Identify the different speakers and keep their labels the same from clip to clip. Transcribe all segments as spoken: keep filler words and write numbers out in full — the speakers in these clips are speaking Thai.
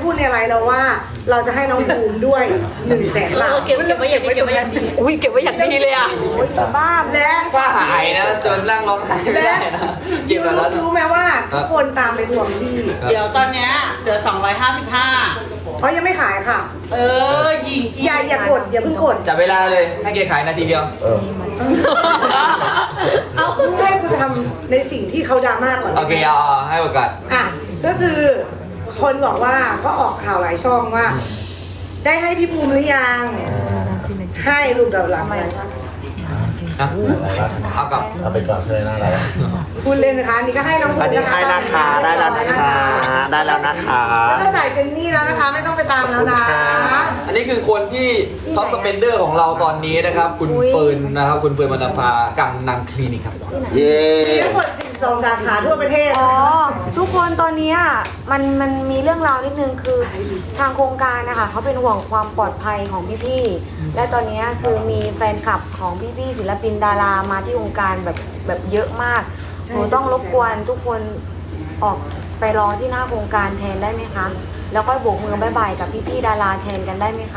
Speaker 1: พูดในไลน์เราว่าเราจะให้น้องภูมิด้วยหนึ่งแสนบาท
Speaker 2: เก็บเก็บไว้อย่างเก็บไว้อย่างดีอุ้ยเก็บไว้อย่างดีเลยอ่ะบ้า
Speaker 1: และ
Speaker 3: ว่าหายนะจนนั่งร้องไห้ไม่ได้นะเก็บแล้วนะ
Speaker 1: รู้ไหมว่าทุกคนตามไปทวงที่
Speaker 2: เดี๋ยวตอนเนี้ยเหลือสองร้อยห้าสิบห้า
Speaker 1: เพราะยังไม่ขายค่ะ
Speaker 2: เออยิง
Speaker 1: อย่าอย่ากดอย่าเพิ่งกด
Speaker 3: จับเวลาเลยให้แกขายนาทีเดียว
Speaker 2: เอา
Speaker 1: ให้กูทำในสิ่งที่เขาดราม่าก่อน
Speaker 3: โอเคเอาให้โอกาส
Speaker 1: อ่ะก็คือคนบอกว่าก็ออกข่าวหลายช่องว่า ได้ให้พี่ภูมิหรือยังให้ลูกดับหลังไหม
Speaker 3: นะเอากลับ
Speaker 4: เอาไปก่อนเลยนะเรา
Speaker 1: พูดเล่นนะคะอันนี่ก็ให้น้องภู
Speaker 4: อัน
Speaker 1: มิ
Speaker 4: นี้
Speaker 1: นะคะ
Speaker 4: ให้นะคะได้แล้วนะคะได้แล้วนะคะ
Speaker 1: แล้วก็จ่ายเจนนี่แล้วนะคะ ไม่ต้องไปตามแล้วนะ
Speaker 3: อันนี้คือคนที่ท็อปสเปนเดอร์ของเราตอนนี้นะครับ คุณเฟิร์นนะครับ คุณเฟิร์นมณภากังนังคลินิกครับ
Speaker 4: เย้
Speaker 1: มีทั้งหมดสิบสองสาขาทั่วประเทศ
Speaker 5: อ๋อ ทุกคนตอนนี้อ่ะมันมันมีเรื่องราวนิดนึงคือทางโครงการนะคะเขาเป็นห่วงความปลอดภัยของพี่ๆและตอนนี้คือมีแฟนคลับของพี่ๆศิลปินดารามาที่โครงการแบบแบบเยอะมากหนูต้องรบกวนทุกคนออกไปรอที่หน้าโครงการแทนได้ไหมคะแล้วก็โบกมือบายบายกับพี่ๆดาราแทนกันได้ไหมคะ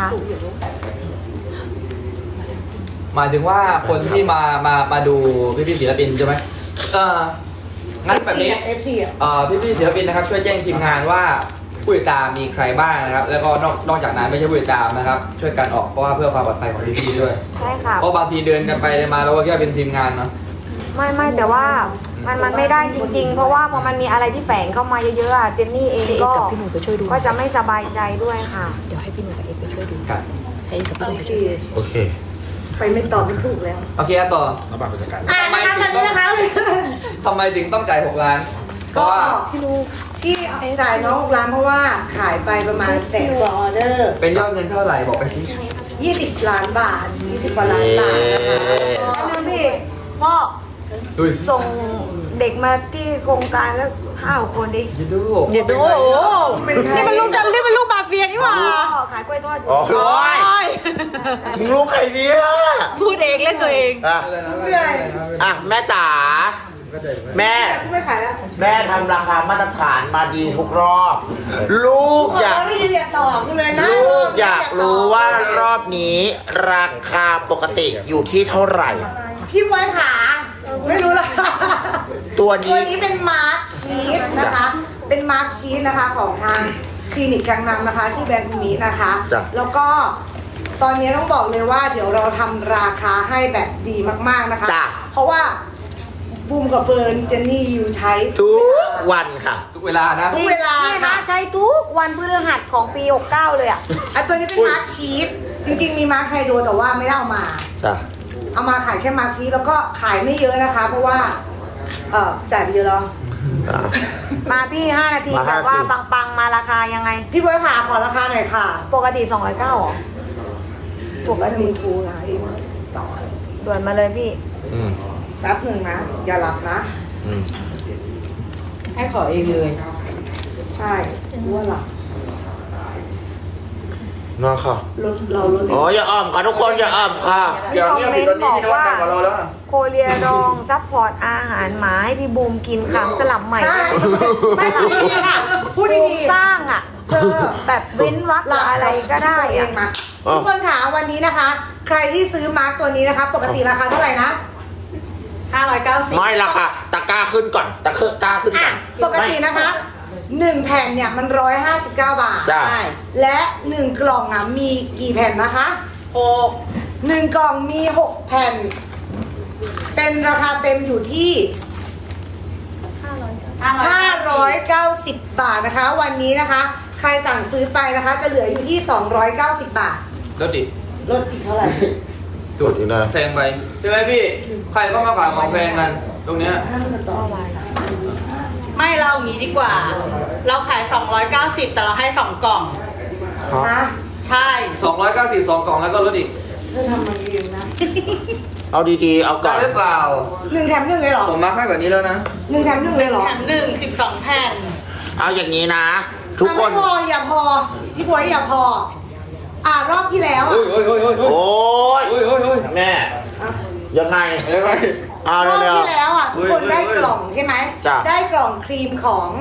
Speaker 3: หมายถึงว่าคนที่มามามาดูพี่พี่ๆศิลปินใช่ไหมเอองั้นแบบนี้
Speaker 1: เอฟซีอ่ะ
Speaker 3: เอ่อพี่พี่ๆศิลปินนะครับช่วยแจ้งทีมงานว่าผู้ติดตามมีใครบ้างนะครับ แล้วก็นอกนอกจากนั้นไม่ใช่ผู้ติดตามนะครับ ช่วยกันออกเพราะว่าเพื่อความปลอดภัยของพี่พี่ๆด้วย
Speaker 5: ใช่ค่ะ
Speaker 3: เพราะบางทีเดินกันไปเดินมาเราก็แค่เป็นทีมงานเนาะ
Speaker 5: ไม่ไม่แต่ว่ามันมันไม่ได้จริง ๆ เพราะว่าพอมันมีอะไรที่แฝงเข้ามาเยอะๆอะเจนนี่เองก็ก็จะไม่สบายใจด้วยค่ะ
Speaker 2: เดี๋ยวให้พี่หนุ่มกับเอ็กไปช่วยดู
Speaker 3: ครับ
Speaker 2: ให้กับพี่ห
Speaker 1: โอ
Speaker 2: นุ่ม
Speaker 1: เค
Speaker 4: โอเค
Speaker 1: ไปไม่ตอบไม่ถูกแล้ว
Speaker 3: โอเคต่อ
Speaker 4: ระบาดบรรยากาศ
Speaker 1: อ่านะคะตอนนี้นะคะ
Speaker 3: ทำไมถึงต้องจ่ายหกล้านเพ
Speaker 1: ก็
Speaker 3: ราะว่า
Speaker 1: ที่จ่ายน้องหกล้านเพราะว่าขายไปประมาณแสนกว่าออเดอร์
Speaker 3: เป็นยอดเงินเท่าไหร่บอกไปสิ
Speaker 1: ยี่สิบล้านบาทยี่สิบกว่าล้านบาทนะคะ
Speaker 5: แล้วพี่พ่อ
Speaker 3: ดุย
Speaker 5: ส่งเด็กมาที่โครงการแล้วห้าคนดิ
Speaker 3: ยินดู
Speaker 2: เดี๋ยวดูโอ้โห
Speaker 1: เป็นใคร
Speaker 2: นี่มันลูกกันนี่มันลูกมาเฟียนี่หว่า
Speaker 5: พ่อขายกล้วยทอดอยู่
Speaker 4: โอ้โหมึงรู้ใครเนี่ย
Speaker 2: พูดเองเล่นตัวเอง
Speaker 4: อ่ะ
Speaker 1: เหนื่อย
Speaker 4: อ่ะแม่จ๋าแม่
Speaker 1: แต่กูไม่ขายแล้ว
Speaker 4: แม่ทำราคามาตรฐานมาดีทุกรอบ ลูก
Speaker 1: ขอ
Speaker 4: อยาก
Speaker 1: ไม่อยากตอบกูเลยนะ
Speaker 4: ลูกอยากรู้ว่ารอบนี้ราคาปกติอยู่ที่เท่าไหร่
Speaker 1: พี่บอยขาไม่รู้ละ
Speaker 4: ตัว
Speaker 1: ตัว
Speaker 4: นี้
Speaker 1: นี้เป็นมาร์คชีสนะคะ เป็นมาร์คชีสนะคะของทางคลินิกกังนำนะคะชื่อแบรนด์มีนะคะ
Speaker 4: จ้ะ
Speaker 1: แล้วก็ตอนนี้ต้องบอกเลยว่าเดี๋ยวเราทำราคาให้แบบดีมากๆนะคะ
Speaker 4: จ้ะ
Speaker 1: เพราะว่าบูมกับเฟิร์นเจนนี่ยูใช้
Speaker 4: ทุกวันค่ะ
Speaker 3: ทุกเวลานะ
Speaker 1: ทุกเวลา
Speaker 5: นี่นะ
Speaker 1: ค่ะ
Speaker 5: ใช้ทุกวันพฤหัสของปีหกเก้าเลยอ่ะ
Speaker 1: อ่ะตัวนี้เป็นมาร์คชีสจริงๆมีมาร์คไฮโดรแต่ว่าไม่ได้เอามา
Speaker 4: จ้ะ
Speaker 1: เอามาขายแค่มาร์คชีสแล้วก็ขายไม่เยอะนะคะ เพราะว่าเออจ่ายไปเยอะแล้ว
Speaker 4: อ่ะ
Speaker 5: มาพี่ห้านาที
Speaker 4: มา
Speaker 5: แบ
Speaker 4: ห้า
Speaker 5: บว่า
Speaker 4: นาที
Speaker 5: ปังๆมาราคายังไง
Speaker 1: พี่บอยขาขอราคาหน่อยค่ะ
Speaker 5: ปกติสองร้อยเก้าหรอ
Speaker 1: ปกติทูนะอีกต่อ
Speaker 5: ด่วนมาเลยพี่
Speaker 4: อืม
Speaker 1: แป๊บหนึ่งนะ อย่าหลับนะ
Speaker 4: อืม
Speaker 1: ให้ขอเองเลย ใช่รู้ว่าหลับ
Speaker 4: นอนค่ะ
Speaker 1: รถเรารถ
Speaker 4: โอ้อย่าอ้อมค่ะทุกคนอย่าอ้อมค่ะ
Speaker 5: มีคอมเมนต์บอกว่า
Speaker 3: พี่นวัดดังกว่าเราแล้วนะ
Speaker 5: โคเรียดองซัพพอร์ตอาหารหมาให้พี่บูมกินขำสลับใหม่
Speaker 1: ใช่ไม่พูดดีๆค่ะพูด
Speaker 5: บูม
Speaker 1: ดี
Speaker 5: สร้างอ่ะเธอแบบเว้นวรรค
Speaker 1: ๆหลับ
Speaker 5: อะไรก็ได้
Speaker 1: เอ
Speaker 5: อะ
Speaker 1: งมาทุกคนค่ะวันนี้นะคะ ใครที่ซื้อมาร์กตัวนี้นะคะ ปกติราคาเท่าไหร่นะห้าร้อยเก้าสิบ
Speaker 4: ไม่ละค่ะตะกร้าขึ้นก่อนตะกร้าขึ้นก่อน
Speaker 1: ปกตินะคะหนึ่งแผ่นเนี่ยมันร้อยห้าสิบเก้าบาท
Speaker 4: จ้ะ
Speaker 1: ใช่และหนึ่งกล่องอ่ะมีกี่แผ่นนะคะหกหนึ่งกล่องมีหกแผ่น เป็นราคาเต็มอยู่ที่ห้าร้อยเก้าสิบบาทนะคะ วันนี้นะคะ ใครสั่งซื้อไปนะคะ จะเหลืออยู่ที่สองร้อยเก้าสิบบาท
Speaker 3: รถดิ
Speaker 1: ลดอีกเท่าไหร่
Speaker 4: ตรวจอีกนะ
Speaker 3: แพงไปใช่ไหมพี่ ใครเข้ามาขายของแพงกัน ตรงเนี้ย
Speaker 2: ไม่เราอย่างนี้ดีกว่า เราขายสองร้อยเก้าสิบแต่เราให้สองกล่อง
Speaker 1: นะ
Speaker 2: ใช่
Speaker 3: สองร้อยเก้าสิบสองกล่องแล้วก็ลดอีก
Speaker 1: เธอทำมันเองนะ
Speaker 4: เอาดีๆเอาก่
Speaker 3: ได้
Speaker 4: อน
Speaker 3: หรือเปล่า
Speaker 1: หนึ่งแถมหนึ่งเลยเหรอ
Speaker 3: ผมมาให้แบบนี้แล้วนะ
Speaker 1: หนึ่งแถมหนึ่งเลยเหรอ
Speaker 2: แถมหนึ่งสิบสองแผ่น
Speaker 4: เอาอย่างนี้นะ ทุกคน
Speaker 1: อ่ะไม่พออย่าพอพี่บวยอย่าพอ อ่ารอบที่แล้ว
Speaker 3: โอ้
Speaker 1: อ่ะ
Speaker 3: ยโอ้ยโอ้ยโอ้ย
Speaker 4: โอ้ย
Speaker 3: โอ้ยโอ้ยโอ้ย
Speaker 4: แม่ยังไง
Speaker 3: ยังไง
Speaker 4: เอา
Speaker 1: รอบ
Speaker 4: เร็ว
Speaker 1: ที่แล้วอ่ะทุกคนได้กล่องใช่ไหม
Speaker 4: จ้ะ
Speaker 1: ได้กล่องครีมของ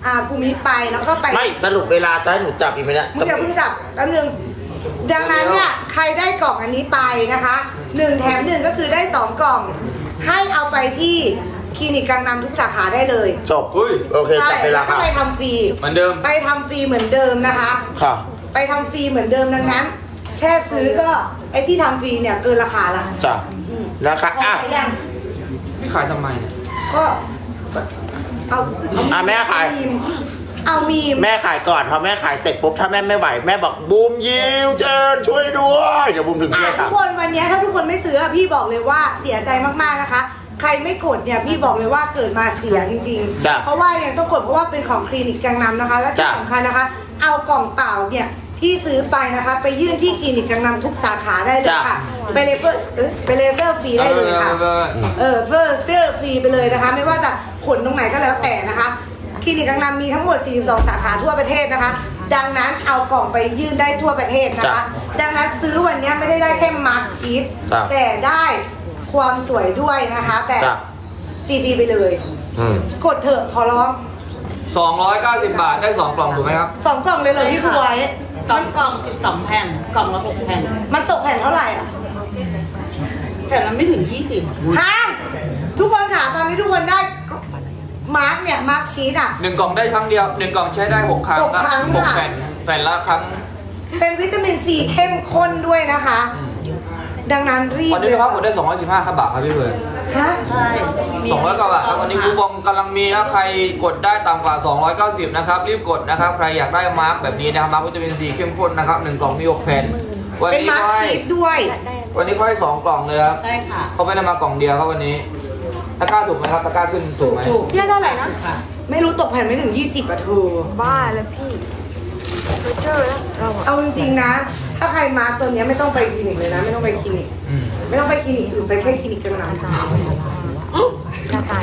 Speaker 1: อ่ากูมิไปแล้วก็ไป
Speaker 4: ไม่สรุปเวลาจะให้หนูจับอีกไหมเนี่ย
Speaker 1: มึงอย่าเพิ่งจับแป๊บนึงดังนั้นเนี่ยใครได้กล่องอันนี้ไปนะคะหนึ่งแถมหนึ่งก็คือได้สองกล่อง ให้เอาไปที่คลินิกกังนำทุกสาขาได้เลย
Speaker 4: จบ
Speaker 3: เฮ้ย
Speaker 4: โอเค
Speaker 1: ใช่
Speaker 4: จับเวลา
Speaker 1: แล้วก็
Speaker 4: ค่ะ
Speaker 1: ไปทำฟรี
Speaker 3: เหมือนเดิม
Speaker 1: ไปทำฟรีเหมือนเดิมนะคะ
Speaker 4: ค่ะ
Speaker 1: ไปทำฟรีเหมือนเดิมดังนั้น แค่ซื้อก็ไอ้ที่ทำฟรีเนี่ยเกินราคาละ
Speaker 4: จ้ะนะคะ
Speaker 1: พอ
Speaker 4: อ่ะ
Speaker 1: ไหมยัง
Speaker 3: พี่ขายทำไมเนี่ย
Speaker 1: ก็เอาเอา
Speaker 4: อ่ะแม่ขาย
Speaker 1: เอมีมเอามีม
Speaker 4: แม่ขายก่อนพอแม่ขายเสร็จปุ๊บถ้าแม่ไม่ไหวแม่บอกบูมยิวเชิญช่วยด้วยเดี๋ยวบูมถึงช่วย
Speaker 1: อ่ะ
Speaker 4: ค
Speaker 1: ทุ
Speaker 4: รับ
Speaker 1: กคนวันนี้ถ้าทุกคนไม่ซื้ออะพี่บอกเลยว่าเสียใจมากๆนะคะ ใครไม่กดเนี่ยพี่บอกเลยว่าเกิดมาเสียจริง
Speaker 4: จ้ะ
Speaker 1: ๆ เพราะว่ายังต้องกดเพราะว่าเป็นของคลินิกกังนำนะคะ และที่
Speaker 4: จ้ะ
Speaker 1: สำคัญนะคะ เอากล่องเปล่าเนี่ยที่ซื้อไปนะคะ ไปยื่นที่คลินิกกังนำทุกสาขาได้เลยค่ะไปเลเซอร์เอ้ยไปเลเซอร์ฟรีได้เลยค่ะ เออเฟอร์เฟอร์ฟรีไปเลยนะคะ ไม่ว่าจะขนตรงไหนก็แล้วแต่นะคะคลินิกกังนำมีทั้งหมดสี่สิบสองสาขาทั่วประเทศนะคะ ดังนั้นเอากล่องไปยื่นได้ทั่วประเทศนะคะ ดังนั้นซื้อวันนี้ไม่ได้ได้แค่มาร์คชีส
Speaker 4: จ้ะ
Speaker 1: แต่ได้ความสวยด้วยนะคะแบบ
Speaker 4: จ้ะ
Speaker 1: ฟรีๆไปเลย
Speaker 4: อืม
Speaker 1: กดเถอะขอร้อง
Speaker 3: สองร้อยเก้าสิบบาทได้สองกล่องถูกไหมครับ
Speaker 1: สองกล่องเลยเลยพี่บวย
Speaker 2: สองกล่องสิบสองแผ่นกล่องละหกแผ่น
Speaker 1: มันตกแผ่นเท่าไหร่อ่ะ
Speaker 2: แผ่นละไม่ถึงยี่สิบ
Speaker 1: ฮะทุกคนค่ะตอนนี้ทุกคนได้มาร์กเนี่ยมาร์กชีสอ่ะ
Speaker 3: หนึ่งกล่องได้ครั้งเดียวหนึ่งกล่องใช้ได้หกครั้ง
Speaker 1: หกครั้ง
Speaker 3: หก
Speaker 1: ค่ะ
Speaker 3: แผ่นแผ่นละครั้ง
Speaker 1: เป็นวิตามินซีเข้มข้นด้วยนะคะ
Speaker 3: อืม
Speaker 1: ดังนั้นรีบ
Speaker 3: วันนี้พี่พักกดได้สองร้อยสิบห้าบาทครับพี่เบิร์ด
Speaker 1: ฮะ
Speaker 2: ใช่มี
Speaker 3: สองร้อยกว่าบาทครับวันนี้คูปองกำลังมีครับใครกดได้ต่ำกว่าสองร้อยเก้าสิบนะครับรีบกดนะครับใครอยากได้มาร์กแบบนี้นะครับมาร์กวิตามินซีเข้มข้นนะครับหนึ่งกล่องมีหกแผ่นวัน
Speaker 1: เป็น
Speaker 3: นี้
Speaker 1: มาร์ก
Speaker 3: เขาให้
Speaker 1: ชีสด้วย
Speaker 3: วันนี้เขาให้สองกล่องเลยครับ
Speaker 2: ใช่ค่ะ
Speaker 3: เขาไม่ได้มากล่องเดียวครับวันนี้ตะกร้าถูกไหมครับตะกร้าขึ้นถูกไหม
Speaker 1: ถูก
Speaker 5: พี่ได้เท่าไหร่นะ
Speaker 2: ค่ะ
Speaker 1: ไม่รู้ตกแผ่นไม่ถึงยี่สิบอะเธอ
Speaker 5: บ้าแล้วพี่ไปเจอแล้วเราอะ
Speaker 1: เอาจริงๆนะ ถ้าใครมาร์กตัวเนี้ยไม่ต้องไปคลินิกเลยนะ ไม่ต้องไปคลินิก
Speaker 3: อืม
Speaker 1: ไม่ต้องไปคลินิกอื่นไปแค่คลินิกกังนำ
Speaker 5: จะตาย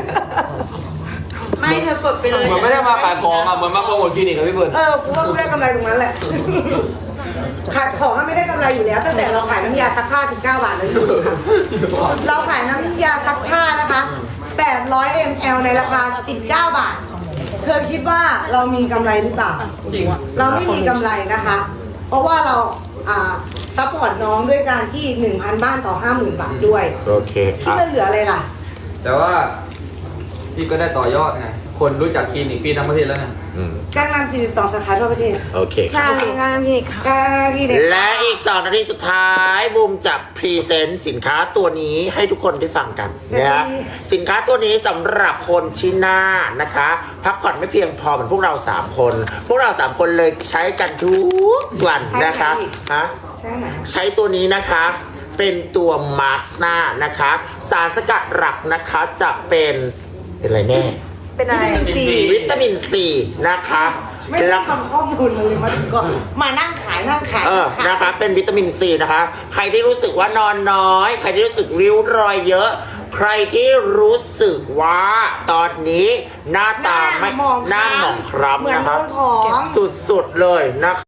Speaker 2: ไม่เธอกดไปเลย
Speaker 3: เหมือนไม่ได้มาขายของอ่ะเหมือนมาโปรโมทคลินิกกับพี่เบิร์ด
Speaker 1: เออกูว่ากูได้กำไรตรงนั้นแหละ ขายของก็ไม่ได้กำไรอยู่แล้ว ตั้งแต่เราขายน้ำยาซักผ้าสิบเก้าบาทเลยเราขายน้ำยาซักผ้านะคะแปดร้อยมิลลิลิตร ในราคาสิบเก้าบาท เธอคิดว่าเรามีกำไรหรือเปล่า เราไม่มีกำไรนะคะ เพราะว่าเราอ่าซัพพอร์ตน้องด้วยการที่ หนึ่งพัน บ้านต่อ ห้าหมื่น บาทด้วย
Speaker 4: โอเค
Speaker 1: คิด
Speaker 4: อ่ะ
Speaker 1: ว่าเหลืออะไรล่ะ
Speaker 3: แต่ว่าพี่ก็ได้ต่อยอดไงคนรู้จักคลินิกพี่ทั้งประเทศแล้วไง
Speaker 4: อืม
Speaker 1: การนำสี่สิบสองสาขาทั่วประเทศ
Speaker 4: โอเค
Speaker 5: งานงานคลินิกค่ะ
Speaker 1: การนำที่เด็ก
Speaker 4: และอีกสองนาทีสุดท้ายบูมจะพรีเซนต์สินค้าตัวนี้ให้ทุกคนได้ฟังกันนะสินค้าตัวนี้สำหรับคนที่หน้านะคะ พักผ่อนไม่เพียงพอเหมือนพวกเราสามคน พวกเราสามคนเลยใช้กันทุกวันนะคะฮะ
Speaker 1: ใช่ไหม
Speaker 4: ใช้ตัวนี้นะคะเป็นตัวมาร์คหน้านะคะ สารสกัดหลักนะคะจะเป็นเป็นอะไรแน่
Speaker 5: เป็นอะไร
Speaker 4: วิตามินซีนะคะ
Speaker 1: ไม่ได้
Speaker 4: แล้ว
Speaker 1: ทำข้อมูลมาเลยมาถึงก็มานั่งขายนั่งขาย
Speaker 4: เออ
Speaker 1: ขาย
Speaker 4: นะคะ เป็นวิตามินซีนะคะ ใครที่รู้สึกว่านอนน้อย ใครที่รู้สึกริ้วรอยเยอะ ใครที่รู้สึกว่าตอนนี้หน้าตาไม่
Speaker 1: หมอง
Speaker 4: หน้าหมองค
Speaker 1: เหมื
Speaker 4: ล้ำ
Speaker 1: อน
Speaker 4: นะ
Speaker 1: โด
Speaker 4: คะ
Speaker 1: นของ
Speaker 4: สุดๆเลยนะคะ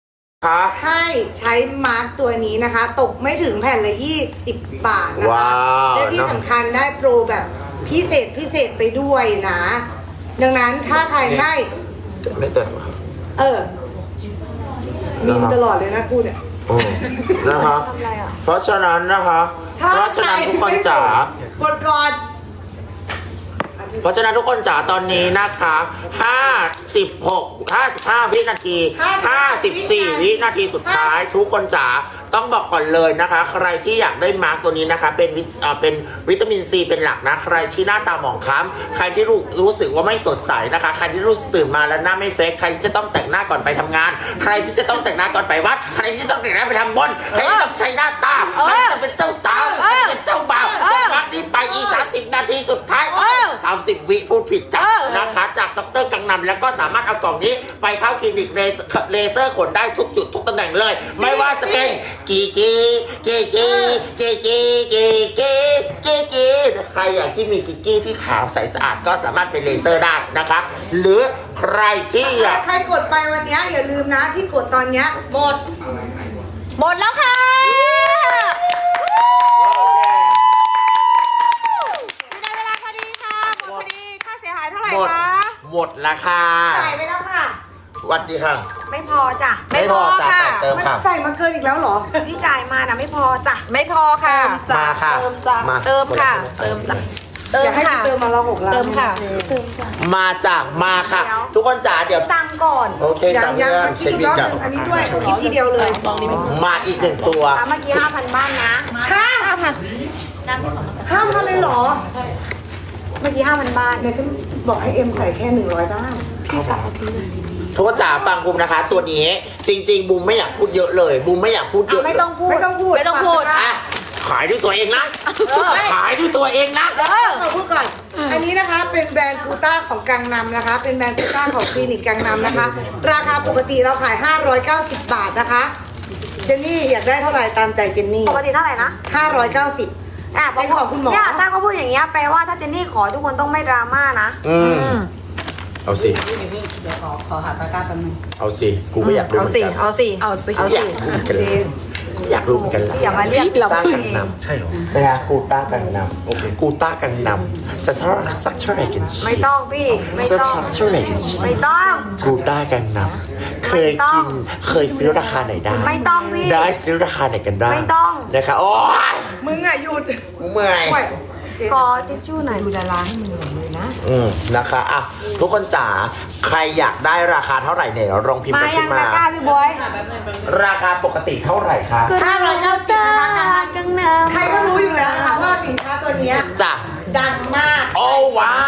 Speaker 1: ให้ใช้มาร์กตัวนี้นะคะ ตกไม่ถึงแผ่นละยี่สิบบาทนะคะ
Speaker 4: ว้าว
Speaker 1: และที่สำคัญได้โปรแบบพิเศษพิเศษไปด้วยนะ ดังนั้นถ้าใครไม่
Speaker 4: ไม่เติม
Speaker 1: เออมีนตลอดเลยนะกูเนี่ย
Speaker 4: โอ้นะคะ
Speaker 5: ทำอะไรอ่ะ
Speaker 4: เพราะฉะนั้นนะคะ
Speaker 1: ถ้า
Speaker 4: เพราะฉะนั้นทุกคนจ๋า
Speaker 1: กดก่อน
Speaker 4: เพราะฉะนั้นทุกคนจ๋าตอนนี้นะคะห้าสิบหก ห้าสิบห้า วินาที ห้าสิบสี่ วินาทีสุดท้าย ทุกคนจ๋าต้องบอกก่อนเลยนะคะ ใครที่อยากได้มาร์กตัวนี้นะคะเป็นวิตเอ่อเป็นวิตามินซีเป็นหลักนะใครที่หน้าตาหมองคล้ำใครที่รู้รู้สึกว่าไม่สดใสนะคะ ใครที่รู้สึกตื่นมาแล้วหน้าไม่เฟกใครที่จะต้องแต่งหน้าก่อนไปทำงาน ใครที่จะต้องแต่งหน้าก่อนไปวัด ใครที่จะต้องแต่งหน้าไปทำบุญใครที่ต้องใช้หน้าตาใครที่จะเป็นเจ้าสาวใครที่เป็นเจ้าบ่าวกดมาร์กนี้ไปอีกสามสิบนาทีสุดท้ายสามสิบวิพูดผิดจ้ะนะคะจากดรกังนำแล้วก็สามารถเอากล่องนี้ไปเข้าคลินิกเลเซอร์เลเซอร์ขนได้ทุกจุดทุกตำแหน่งเลย ไม่ว่าจะเป็นกีกีกีกีกีกีกีกีกีกีใครอยากที่มีกีกีที่ขาวใสสะอาดก็สามารถเป็นเลเซอร์ได้นะคะ หรือใครที่อยาก
Speaker 1: ใครกดไปวันนี้อย่าลืมนะที่กดตอนเนี้ย
Speaker 2: หมด
Speaker 5: หมดแล้วค่ะในเวลาพอดีค่ะ หมดพอดี ค่าเสียหายเท่าไหร่
Speaker 4: หมด
Speaker 5: คะ
Speaker 4: หหมดราคา
Speaker 1: จ่ายไปแล้วค่ะ
Speaker 4: สวัสดีค่ะ
Speaker 5: ไม่พอจ้ะ
Speaker 4: ไม่พอจ้ะแต่เติม
Speaker 1: มัน
Speaker 4: ค่ะ
Speaker 1: ใส่มาเกินอีกแล้วเหรอ
Speaker 5: ที่จ่ายมานะไม่พอจ้ะ
Speaker 6: ไม่พอค่ะ
Speaker 4: มาค่ะ
Speaker 6: เติมจ้ะ
Speaker 4: มา
Speaker 6: เติมค่ะ เติมจ้ะเติ
Speaker 1: อ
Speaker 6: ม
Speaker 1: ยากให้
Speaker 6: ค่ะ
Speaker 1: เติมมาละหกล้าน
Speaker 6: เติมค่ะ
Speaker 4: มาจากมาค่ะ ทุกคนจ๋าเดี๋ยว
Speaker 5: ตังค์ก่อน
Speaker 4: โอเค
Speaker 1: ยัง
Speaker 4: จำ
Speaker 1: ยัง
Speaker 4: เรื่อง
Speaker 1: มันคิ
Speaker 4: เช็
Speaker 1: ด
Speaker 4: ค
Speaker 1: อีก
Speaker 4: บิ
Speaker 1: ร
Speaker 4: น
Speaker 1: อบห
Speaker 4: กับ
Speaker 1: นึ่งอันนี้ด้วยคิดทีเดียวเลย
Speaker 4: มาอีกหนึ่งตัว
Speaker 5: อ่ะเมื่อกี้ห้าพันบ้านนะ
Speaker 1: ห้าห้าพันเลยเหรอ
Speaker 5: เมื่อกี้ห้าพันบ้าน
Speaker 1: เดี๋ยวฉันบอกให้เอ็มใส่แค่หนึ่งร้อยบ้าง
Speaker 4: ทุกคนจ๋าฟังบูมนะคะ ตัวนี้จริง ๆบูมไม่อยากพูดเยอะเลยบูมไม่อยากพูดเยอะ
Speaker 5: ไม่ต้องพูด
Speaker 1: ไม่ต้องพูด
Speaker 6: ไม่ต้องพูด
Speaker 1: ฝาก
Speaker 4: อ่ะ
Speaker 1: นะคะ
Speaker 4: ขายด้วยตัวเองนะขายด้วยตัวเองนะ
Speaker 1: ขอพูดก่อน อันนี้นะคะเป็นแบรนด์กูต้าของกังนำนะคะ เป็นแบรนด์กูต้าของคลินิกกังนำนะคะ ราคาปกติเราขาย ห้าร้อยเก้าสิบ บาทนะคะ เจนนี่อยากได้เท่าไหร่ตามใจเจนนี่
Speaker 5: ปกติเท่าไหร่นะ
Speaker 1: ห้าร้อยเก้าสิบ
Speaker 5: อ่ะ
Speaker 1: เป็นของคุณหมอ
Speaker 5: เนี่ยถ้าเขาพูดอย่างเงี้ยแปลว่าถ้าเจนนี่ขอทุกคนต้องไม่ดราม่านะ
Speaker 4: อืมเอาสิ
Speaker 2: เดี๋ยวขอขอหาตะกร้าแป๊บนึง
Speaker 4: เอาสิกูก็อยากรู้
Speaker 6: เอา
Speaker 4: เหมือน
Speaker 6: สิ
Speaker 4: กัน
Speaker 6: เอาสิ เอาสิ
Speaker 4: อยากรู้เหมือนกันเลยอยากรู้เหมือนกันแหละ
Speaker 5: อย่ามาเรียก
Speaker 6: เรา
Speaker 4: ต้า
Speaker 6: พูด
Speaker 4: กั
Speaker 6: เอน ง
Speaker 4: นำใช่หรอนะคะกูต้ากันนำโอเคกูต้ากันนำจะสักสักเท่าไหร่กัน
Speaker 5: ไม่ต้องพี่ไม่
Speaker 4: จะ
Speaker 5: ต้อง
Speaker 4: สักเท่าไหร่กัน
Speaker 5: ไม่ต้อง
Speaker 4: กูต้ากันนำเคยกินเคยซื้อราคาไหนได้
Speaker 5: ไม่ต้องพี่
Speaker 4: ได้ซื้อราคาไหนกันได้
Speaker 5: ไม่ต้อง
Speaker 4: นะคะโอ้ย
Speaker 1: มึงอ่ะหยุด
Speaker 4: กูเมื่อย
Speaker 1: โอ้ย
Speaker 5: ขอทิชชู่หน่อย
Speaker 1: ดูดาราให้มึงหน่อยเลยนะ
Speaker 4: อืมนะคะอ่ะทุกคนจ๋าใครอยากได้ราคาเท่าไหร่เนี่ยลองพิมพ์
Speaker 5: มา
Speaker 4: กัน
Speaker 5: ยั
Speaker 4: ขึ้
Speaker 5: ง
Speaker 4: นมา
Speaker 5: ตะกร้าพี่บอย
Speaker 4: ราคาปกติเท่าไหร่คะ
Speaker 1: ห้าร้อยเก้าสิบนะคะ
Speaker 5: กังนำ
Speaker 1: ใครก็รู้อยู่แล้วนะคะว่าสินค้าตัวเนี้ย
Speaker 4: จ้ะ
Speaker 1: ดังมาก
Speaker 4: โอ้ว้าว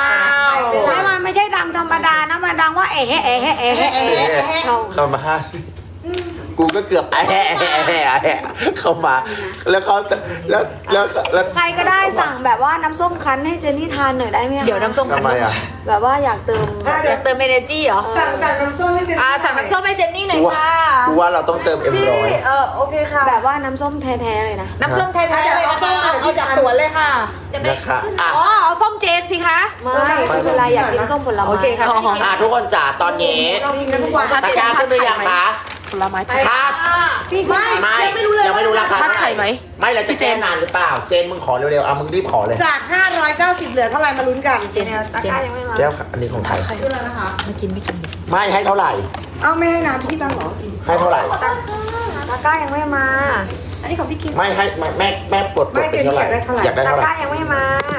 Speaker 5: ให้มันไม่ใช่ดังธรรมดานะมันดังว่าเอ๋เอ๋เอ๋เอ๋เอ๋เอ๋เขา
Speaker 4: เข้ามาห้าสิกูก็เกือบแอะแอะแอะแอะแอะเข้ามา แล้วเขาแล้วแล้วแล้ว
Speaker 5: ใครก็ได้สั่งแบบว่าน้ำส้มคั้นให้เจนนี่ทานหน่อยได้ไหมคะ
Speaker 6: เดี๋ยวน้ำส้ม
Speaker 4: ทำไมอ่ะ
Speaker 5: แบบว่าอยากเติม
Speaker 1: อ่ะ
Speaker 6: อ
Speaker 1: เดี๋ย
Speaker 6: ยาว กเติมเอเนจีเหรอ
Speaker 1: สั่งสั่งน้ำส้มให้เจน
Speaker 6: อ่าสั่งน้ำส้มให้เจนนี่หน่อย
Speaker 4: กูว่า
Speaker 6: ค่ะ
Speaker 4: กูว่าเราต้องเติมเอ็ม
Speaker 5: พี่
Speaker 4: ร้อย
Speaker 5: เออโอเคค่ะ แบบว่าน้ำส้มแท้ๆเลยนะ
Speaker 6: น้ำส้มแท้ๆเลยนะคะเอาจากสวนเลยค่ะจะไป
Speaker 4: นะคะอ่ะ
Speaker 6: อ๋อเอาส้มเจนสิคะ
Speaker 5: ไม่ไม่เป็นไรอยากกินส้มผลไม้
Speaker 6: โอเคค่ะ
Speaker 4: อ่ะทุกคนจ๋าตอนนี้
Speaker 1: เรากินกันทุกวัน
Speaker 4: ตะกร้าขึ้นหรือยังคะ
Speaker 6: ผลไม้ไทย
Speaker 4: ถ้า
Speaker 1: พี่ไม่
Speaker 4: ไม่
Speaker 1: ยังไม่รู้เลย
Speaker 4: ยังไม่รู้ราคา
Speaker 6: ทัดไข่ไหม
Speaker 4: ไม่แล้วจะแจ้งนานหรือเปล่า เจนมึงขอเร็วๆเอามึงรีบขอเลย
Speaker 1: จาก ห้าร้อยเก้าสิบ เหลือเท่าไหร่มาลุ้นกัน
Speaker 6: เจน
Speaker 5: ตะกร้ายังไม่มา
Speaker 4: แก้วค่ะอันนี้ของไทย
Speaker 1: ขึ้นแล้วนะคะ
Speaker 6: ไม่กินไม่กิน
Speaker 4: ไม่ให้เท่าไหร่
Speaker 1: เอาไม่ให้น้ำพี่บ้างเหรอ
Speaker 4: ให้เท่าไหร่
Speaker 5: ตะกร้ายังไม่มา
Speaker 6: อันนี้ของพี่กิน
Speaker 4: ไม่ให้แม่แม่แม่ปลดปลดเป็นเท่าไหร่อยากได้
Speaker 5: ตะ
Speaker 4: เท่าไห
Speaker 5: ก
Speaker 4: ร่
Speaker 5: ร้ายังไม่มา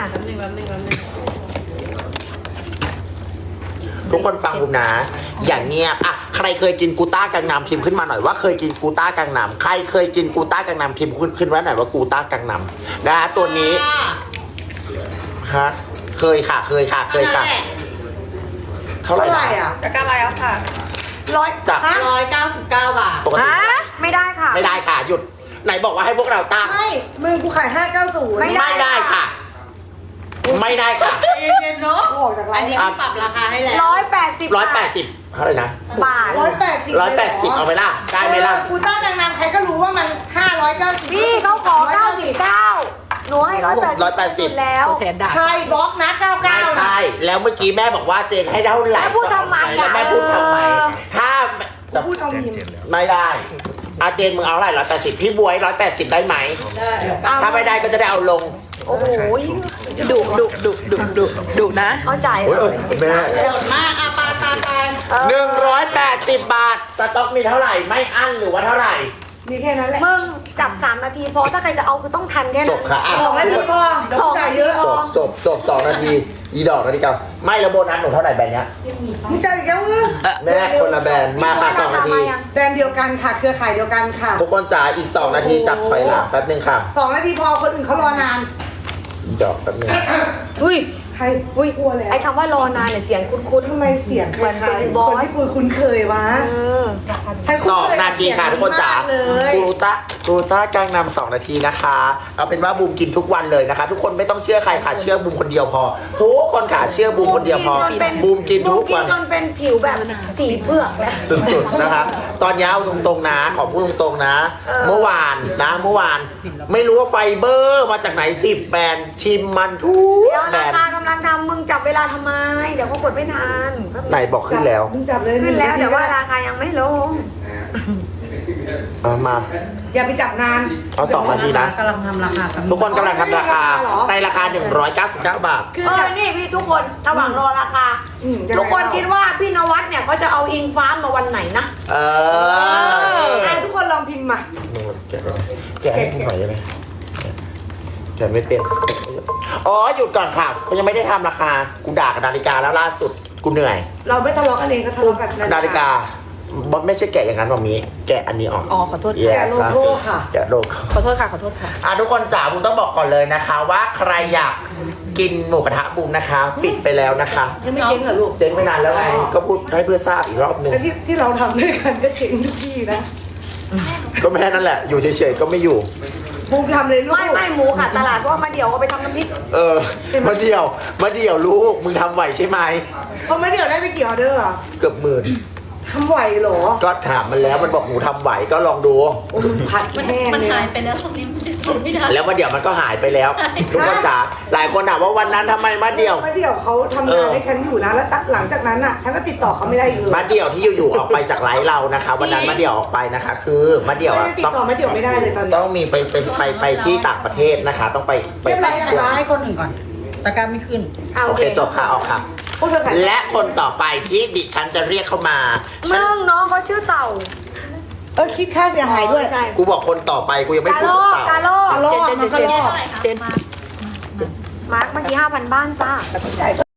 Speaker 4: ทุกคนฟังผมนะ อย่างเงียบอ่ะใครเคยกินกูต้ากังนำพิมพ์ขึ้นมาหน่อยว่าเคยกินกูต้ากังนำใครเคยกินกูต้ากังนำพิมพ์ขึ้นขึ้นมาหน่อยว่ากูต้ากังนำนะฮะตัวนี้ฮะเคยค่ะเคยค่ะเคยค่ะ เท่าไหร่
Speaker 1: เท่าไหร่
Speaker 4: นะ
Speaker 1: อ่ะ
Speaker 2: ตะกร้ามาแล้วค่ะ
Speaker 1: ร้อย
Speaker 4: จ้ะ
Speaker 1: ฮะ
Speaker 2: ร้อยเก้าสิบเก้าบาท
Speaker 4: ปกติ
Speaker 5: ไม่ได้ค่ะ
Speaker 4: ไม่ได้ค่ะ หยุด ไหนบอกว่าให้พวกเราตั้ง
Speaker 1: ไม่มึงกูขายห้าเก้าศูนย์
Speaker 5: ไม่
Speaker 4: ไม่ได้ค่ะ ไม่ได้ค่ะ
Speaker 2: เย็นๆเนาะ
Speaker 1: กูออกจากร้า
Speaker 2: อั
Speaker 1: น
Speaker 2: นนี้ปรับราคาให้แล้ว
Speaker 5: ร้อยแปดสิบ
Speaker 4: ร้อยแปดสิบเท่าไหร่นะ
Speaker 5: บาท
Speaker 1: ร้อยแปดสิบ
Speaker 4: ร้อยแปดสิบเอาไปล่ะได้ไหมล่ะ
Speaker 1: กูต้าดังนำใครก็รู้ว่ามันห้าร้อยเก้าสิบ
Speaker 5: พี่เขาขอเก้าสิบเก้าหนูให้ร้อยแปด
Speaker 4: ร้อยแปดสิบ
Speaker 5: แล้ว
Speaker 6: โอเคได้
Speaker 1: ใครบล็อกนะเก้า
Speaker 4: ไม่
Speaker 1: เก้า
Speaker 4: ใช่ แล้วเมื่อกี้แม่บอกว่าเจนให้เท่าไหร่
Speaker 5: แม่พูดทำไม
Speaker 4: แล้ว
Speaker 5: อ่ะ
Speaker 4: แม่พูดทำไม
Speaker 5: เออ
Speaker 4: ถ้าจะ
Speaker 1: พูดเอามีม
Speaker 4: ไม่ได้อาเจนมึงเอาเท่าไหร่ร้อยแปดสิบพี่บวยร้อยแปดสิบได้ไหม
Speaker 5: เอา
Speaker 4: ถ้าไม่ได้ก็จะได้เอาลง
Speaker 5: โอ้โห
Speaker 6: ดุดุดุดุดุดุนะ
Speaker 5: เขาจ่าย
Speaker 4: โอ้ยเออแม่
Speaker 2: โหดมากอ่ะปาปาปา
Speaker 5: เออ
Speaker 4: หนึ่งร้อยแปดสิบบาท สต็อกมีเท่าไหร่ ไม่อั้นหรือว่าเท่าไหร่
Speaker 1: มีแค่นั้นแหละ
Speaker 5: มึงจับสามนาทีพอถ้าใครจะเอาคือต้องทันแค่
Speaker 4: จ
Speaker 5: นั้
Speaker 4: บ
Speaker 5: น
Speaker 4: ค่ะอ่ะ
Speaker 1: สองนาทีพอเดี๋ยว
Speaker 5: สอง
Speaker 1: จ่าย
Speaker 5: นาที
Speaker 1: เยอะ
Speaker 5: พ
Speaker 4: จ
Speaker 5: อ
Speaker 4: บจบจบสองนาที อีดอกนาทีเก่าไม่แล้วโบนัสหนูเท่าไหร่แบรนด์เนี้ย
Speaker 1: มึงจ่ายอีกแล้วมึง
Speaker 4: แม่คนละแบรนด์มาค่ะสองนาที
Speaker 1: แบรนด์เดียวกันค่ะ เครือข่ายเดียวกันค่ะ
Speaker 4: ทุกคนจ๋าอีกสองนาทีจับถอยหลังแป๊บนึงค่ะ
Speaker 1: สองนาทีพอคนอื่นเขารอนาน
Speaker 4: อีดอกแป๊บนึง
Speaker 5: อุ้ย
Speaker 1: ใครอุ้ยกลัวแล้ว
Speaker 5: ไอ้คำว่ารอนานเนี่ยเสียงคุ้น
Speaker 1: ทำไมเสียง
Speaker 5: เหมือน
Speaker 1: คล้าย
Speaker 5: เป็น
Speaker 1: ๆ
Speaker 5: บอส
Speaker 1: คนที่กูคุ้นเคยวะ
Speaker 5: ๆเออ
Speaker 1: ฉัน
Speaker 4: ส
Speaker 1: คุ้
Speaker 4: อง
Speaker 1: เคย
Speaker 4: นาทีค่ะทุกคนจ๋าม
Speaker 1: เลย
Speaker 4: กรูต้ากรูต้ากลางนำสองนาทีนะคะ เอาเป็นว่าบูมกินทุกวันเลยนะคะ ทุกคนไม่ต้องเชื่อใครค่ะ เชื่อบูมคนเดียวพอ ทุกคนค่ะเชื่อบูมคนเดียวพอ บูมกิน
Speaker 5: บู
Speaker 4: ทุ
Speaker 5: ม
Speaker 4: ก
Speaker 5: กิน
Speaker 4: วัน
Speaker 5: จนเป็นผิวแบบสีเผือกแล้ว
Speaker 4: สุดๆนะคะ ตอนนี้เอาตรงๆนะ ขอพูดตรงๆนะ
Speaker 5: เออ
Speaker 4: เมื่อวานนะเมื่อวาน ไม่รู้ว่าไฟเบอร์มาจากไหนสิบแบรนด์ชิมมันทุก
Speaker 5: เดี๋ยว
Speaker 4: แบร
Speaker 5: ราน
Speaker 4: ด์
Speaker 5: คากำลังทำมึงจับเวลาทำไม เดี๋ยวเขากดไม่ทัน
Speaker 4: ไหนบอกขึ้นแล้ว
Speaker 1: มึงจับเลย
Speaker 5: ขึ้นแล้วแต่ว่าราคายังไม่ลง
Speaker 4: เอามา
Speaker 1: อย่าไปจับนาน
Speaker 4: เอาสองนาทีนะ
Speaker 2: กำลังทำราคากัน
Speaker 4: ทุกคนกำลังทำราคาในราคา หนึ่งร้อยเก้าสิบเก้า บาท
Speaker 1: คือ
Speaker 5: เออ นี่พี่ทุกคนระหว่างรอราคา
Speaker 1: อืมยังไง
Speaker 5: ทุกคนคิดว่าพี่นวัดเนี่ยเขาจะเอาอิงฟ้ามาวันไหนนะ
Speaker 4: เออ
Speaker 1: อ่ะทุกคนลองพิมพ์มา
Speaker 4: แกะแกะให้กูหน่อยได้ไหมแกะไม่เป็น อ๋อ หยุดก่อนค่ะกูยังไม่ได้ทำราคา กูด่ากับนาฬิกาแล้วล่าสุด กูเหนื่อย
Speaker 1: เราไม่ทะเลาะกันเองก็ทะเลาะกัน
Speaker 4: นาฬิกาไม่ใช่แกะอย่างนั้นหรอกมีแกะอันนี้ออก
Speaker 6: อ๋อขอโทษ
Speaker 4: Yes
Speaker 1: แกะโลโก้ค่ะ
Speaker 4: แกะโลโก้
Speaker 6: ขอโทษค่ะ ขอโทษค่ะ
Speaker 4: อ่ะทุกคนจ๋าบูมต้องบอกก่อนเลยนะคะ ว่าใครอยากกินหมูกระทะบูมนะคะ ปิดไปแล้วนะคะ
Speaker 1: ยังไม่เจ๊งเหรอลูก
Speaker 4: เจ๊งไปนานแล้วไงก็พูดให้เพื่อทราบอีกรอบหนึง
Speaker 1: แต่ที่ที่เราทำด้วยกันก็เจ๊งทุกที่นะ
Speaker 4: ก็แม่นั่นแหละ อยู่เฉยๆก็ไม่อยู่
Speaker 1: บูมทำเลยลูก
Speaker 5: ไม่ไม่หมูค่ะตลาดเพราะว่ามาเดี๋ยวเอาไปทำน้ำพริก
Speaker 4: เออมาเดี่ยวมาเดี่ยวลูกมึงทำไหวใช่ไหม
Speaker 1: เขาไม่เดี๋ยวได้ไปกี่ออเดอร์อ่ะ
Speaker 4: เกือบหมื่น
Speaker 1: ทำไหวเหรอ
Speaker 4: ก็ถามมันแล้วมันบอกหนูทำไหวก็ลองดู
Speaker 1: โอ้มันผัดแห้ง
Speaker 2: มัน
Speaker 1: เลย
Speaker 2: หาย
Speaker 1: นะ
Speaker 2: ไปแล้วตรงนี้มันทำไม่ได้
Speaker 4: แล้วมาเดี่ยวมันก็หายไปแล้ว ทุกคนจ๋าหลายคนถามว่าวันนั้นทำไมมาเดี่ยว
Speaker 1: มาเดี๋ยวเขาทำงานให้ฉันอยู่นะ แล้วหลังจากนั้นอ่ะ ฉันก็ติดต่อเขาไม่ได้อีกเลย
Speaker 4: มาเดี่ยวที่อยู่ๆออกไปจากไลฟ์เรานะคะ วันนั้นมาเดี่ยวออกไปนะคะ คือมาเดี่ยว
Speaker 1: ไม่
Speaker 4: อะ
Speaker 1: ได้ติด
Speaker 4: ต้อง
Speaker 1: ต่อมาเดี๋ยวไม่ได้เลยตอนนี้
Speaker 4: ต้องมีไปไปไปไปที่ต่างประเทศนะคะ ต้องไปไป
Speaker 1: เรียบร้อยยังคะ
Speaker 2: ให้คนอื่นก่อนตะกร้าไม่ขึ้น
Speaker 5: เอา
Speaker 4: โอเคจบค่ะออกค่ะ
Speaker 1: พวกเธอขาย
Speaker 4: และคนต่อไปที่ดิฉันจะเรียกเข้ามาฉัน
Speaker 5: มึงน้องเขาชื่อเต่า
Speaker 1: เออคิดค่าเสียหายด้วย
Speaker 5: ใช่
Speaker 4: กูบอกคนต่อไปกูยังไม่
Speaker 5: กา
Speaker 4: พู
Speaker 5: โล
Speaker 4: ด
Speaker 5: ก
Speaker 4: เต่าก
Speaker 5: าโลก
Speaker 1: กะโลกมันก็โลก
Speaker 6: เจน
Speaker 5: มาร์กเมื่อกี้ห้าพันบ้านจ้า
Speaker 1: แต่ต้องจ่าย